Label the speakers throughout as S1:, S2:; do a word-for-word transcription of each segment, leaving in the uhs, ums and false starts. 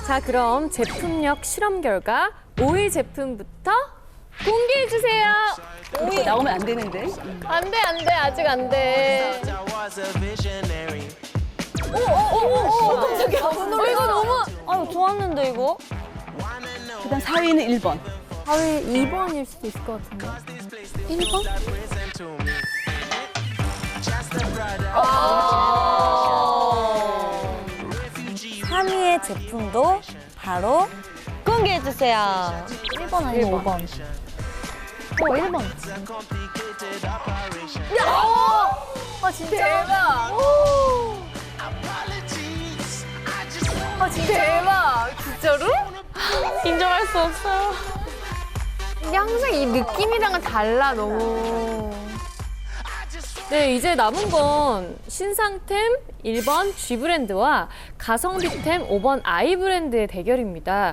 S1: 자, 그럼 제품력 실험 결과 오 위 제품부터 공개해 주세요.
S2: 오 위 나오면 안 되는데.
S1: 안 돼, 안 돼. 아직 안 돼.
S2: 오오오오 깜짝이야.
S1: 어, 이거 너무
S3: 아유, 좋았는데, 이거?
S2: 그다음 사 위는 일 번.
S1: 사 위 이 번일 수도 있을 것 같은데. 일 번?
S3: 삼 위의 제품도 바로 공개해주세요. 일 번 아니면 오 번?
S1: 어, 일 번. 아, 진짜? 대박. 아, 진짜? 대박. 진짜로? 인정할 수 없어요. 이게 항상 이 느낌이랑은 달라, 너무. 네, 이제 남은 건 신상템 일 번 G 브랜드와 가성비템 오 번 I 브랜드의 대결입니다.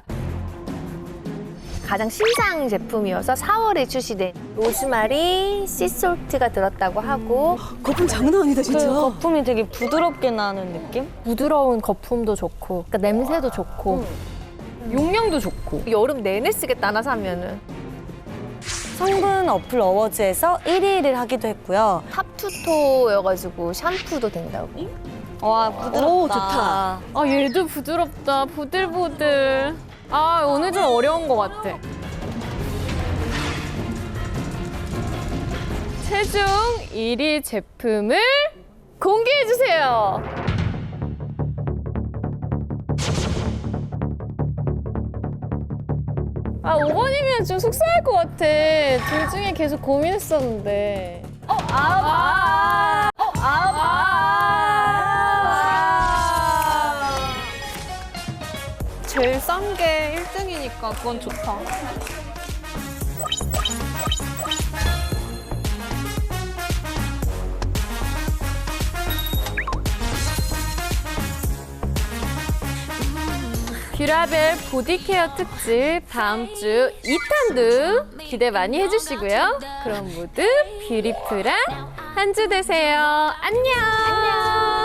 S1: 가장 신상 제품이어서 사월에 출시된 로즈마리 씨솔트가 들었다고 하고
S2: 거품 장난 아니다
S3: 그
S2: 진짜.
S3: 거품이 되게 부드럽게 나는 느낌?
S1: 부드러운 거품도 좋고 그러니까 냄새도 좋고 용량도 좋고 여름 내내 쓰겠다 하나 사면은.
S3: 성분 어플 어워즈에서 일 위를 하기도 했고요.
S1: 탑투토여가지고 샴푸도 된다고.
S3: 와, 부드럽다.
S2: 오, 좋다.
S1: 아, 얘도 부드럽다. 보들보들. 아, 오늘 좀 어려운 것 같아. 최종 일 위 제품을 공개해주세요. 아, 오 번이면 좀 속상할 것 같아. 둘 중에 계속 고민했었는데. 어, 아, 아, 어, 아, 아. 제일 싼 게 일 등이니까 그건 좋다. 뷰라벨 보디케어 특집 다음 주 이 탄도 기대 많이 해주시고요. 그럼 모두 뷰티풀한 한 주 되세요. 안녕. 안녕.